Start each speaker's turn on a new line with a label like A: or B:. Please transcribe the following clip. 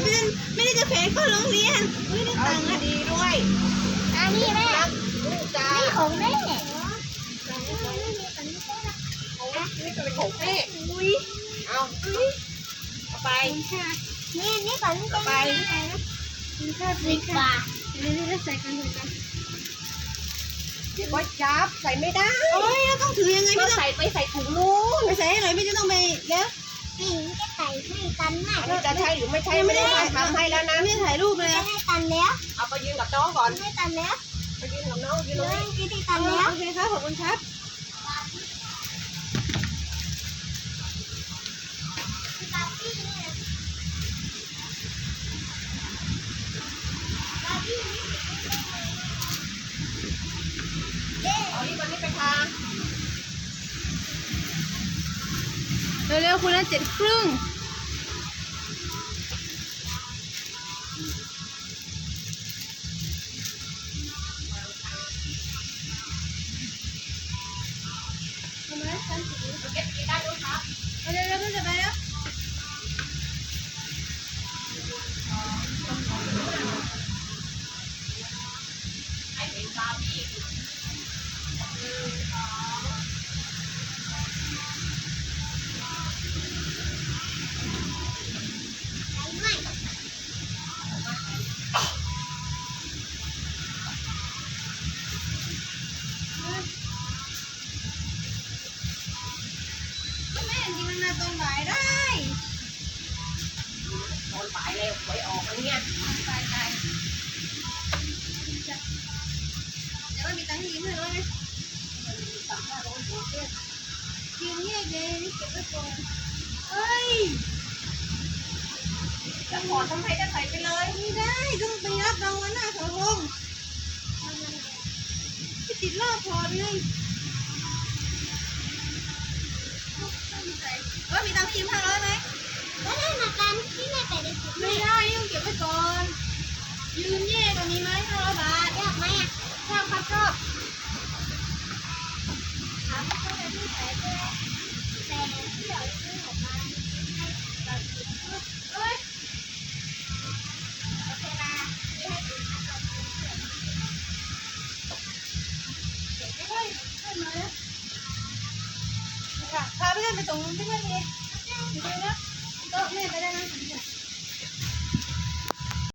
A: ไม่ได้จะแผงเข้าโรงเรียนไม่ได้ตังค์อ่ะ
B: ดีด้วย
C: อันนี้แม่
B: ลูกจ้า
C: นี่ของแม่
B: นี่ก็เป็นของแม่เอาไป
C: นี่ก่อนนี่
B: ไป
C: 10 บาท
A: ใส่กันเลยกัน
B: เดี๋ยวก็จับใส่ไม่ได้
A: โอ้ยต้องถือยังไง
B: ก็
A: ไม่ต้อง
B: ใส่ไปใส่ถุงนู้น
A: ไปใส่ให้หน่อยไม่จะต้องไปแล้ว
C: นี่จะใส่ให้กันแม่
B: อันนี้จะใช่หรือไม่ใช่ไม่ได้ทำให้แล้วนะ
A: ไม่ได้ถ่ายรูปเลย
C: จะให้กันแล้ว
B: เอาไปยืนกับน้องก่อน
C: ให้กันแล้ว
B: ไปยืนกับน้องยืนตรงนี้
C: จะให้กันแล้ว
A: โอเคครับขอบคุณครับ
B: เอานี่วันนี้ไปทา
A: เร็วๆคุณละ7:30
B: เก็บกินได้ด้วยครับ
A: เร็วๆเพื่อนจะไปแล้ว
B: ให้เป็นบาร์บี้
A: แม่จริงมันมาตรงบ่ายได้
B: ตอนบ่ายเลยหวยออกแล้วเนี่ย
A: ไปเดี๋ยวมีตังค์ยืมให้ร้อยไหมยืมแยกเลยนี่เก็บไว้ก่อนเฮ้ย
B: จะขอทำไมจะใส่ไปเลย
A: ไม่ได้ต้องไปรับรางวัลหน้าเสาธงที่ติดรอบพอเลยมีตังค์ยืม500ไหม
C: แล้วได้มากันที่แม่ไปได้ถุง
A: ไม่ได้ต้องเก็บไว้ก่อนยืมแย่กว่านี้ไหม500 บาท
C: ยากไหมอ่ะ
A: ชอบครับชอบ
C: ถามเขาจะที่ใส่ไปแต่ที่เราซื้อออกมาให้เรากิน
A: เอ้ย
C: โอเคนะที่ให้กินนะเรากินเสร็จ
A: เฮ้ยขึ้นมาแล้วค่ะพาเพื่อนไปส่งที่เพื่อนเองดูนะโต๊ะแม่ไปได้นะ